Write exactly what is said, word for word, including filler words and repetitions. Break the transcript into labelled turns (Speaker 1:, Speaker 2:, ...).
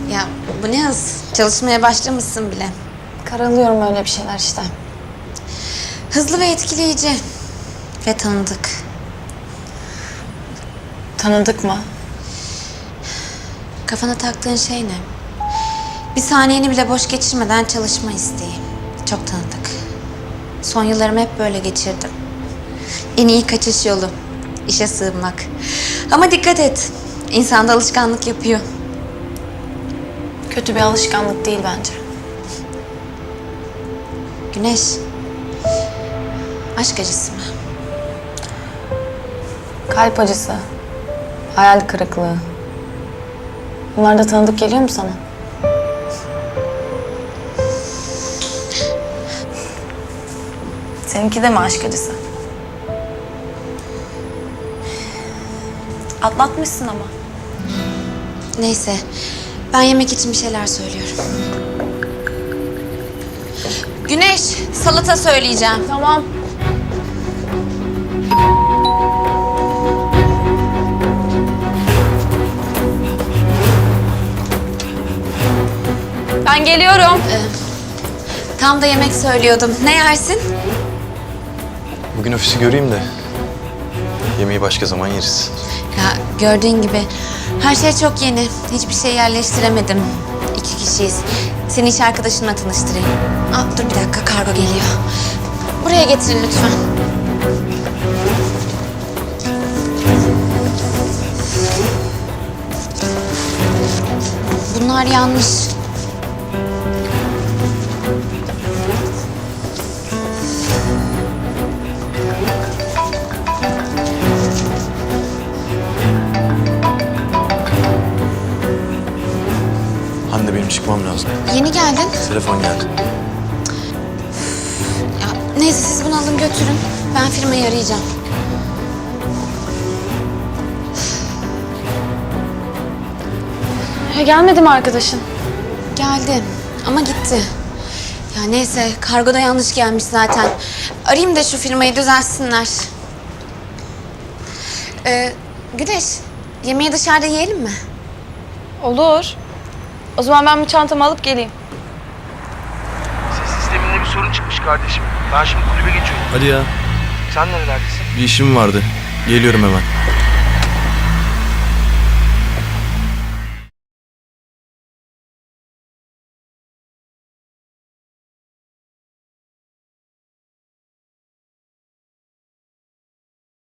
Speaker 1: Ya bu ne hız? Çalışmaya başlamışsın bile.
Speaker 2: Karalıyorum öyle bir şeyler işte.
Speaker 1: Hızlı ve etkileyici. Ve tanıdık.
Speaker 2: Tanıdık mı?
Speaker 1: Kafana taktığın şey ne? Bir saniyeni bile boş geçirmeden çalışma isteği. Çok tanıdık. Son yıllarımı hep böyle geçirdim. En iyi kaçış yolu. İşe sığınmak. Ama dikkat et. İnsan da alışkanlık yapıyor.
Speaker 2: Kötü bir alışkanlık değil bence.
Speaker 1: Güneş. Aşk acısı mı?
Speaker 2: Kalp acısı, hayal kırıklığı. Bunlar da tanıdık geliyor mu sana? Seninki de mi aşk acısı? Atlatmışsın ama.
Speaker 1: Neyse. Ben yemek için bir şeyler söylüyorum. Güneş, salata söyleyeceğim.
Speaker 2: Tamam. Ben geliyorum.
Speaker 1: Tam da yemek söylüyordum. Ne yersin?
Speaker 3: Bugün ofisi göreyim de yemeği başka zaman yeriz.
Speaker 1: Ya gördüğün gibi her şey çok yeni. Hiçbir şey yerleştiremedim. İki kişiyiz. Seni iş arkadaşımla tanıştırayım. Aa, dur bir dakika, kargo geliyor. Buraya getirin lütfen. Bunlar yanlış.
Speaker 3: Hande, benim çıkmam lazım.
Speaker 1: Yeni geldin.
Speaker 3: Telefon geldi.
Speaker 1: Ya, neyse siz bunu alın götürün. Ben firmayı arayacağım.
Speaker 2: Ya gelmedi mi arkadaşın?
Speaker 1: Geldi ama gitti. Ya neyse, kargoda yanlış gelmiş zaten. Arayayım da şu firmayı düzeltsinler. Ee, Güneş, yemeği dışarıda yiyelim mi?
Speaker 2: Olur. O zaman ben bu çantamı alıp geleyim.
Speaker 4: Ses sisteminde bir sorun çıkmış kardeşim. Ben şimdi kulübe geçiyorum.
Speaker 3: Hadi ya.
Speaker 4: Sen nerelerdesin?
Speaker 3: Bir işim vardı. Geliyorum hemen.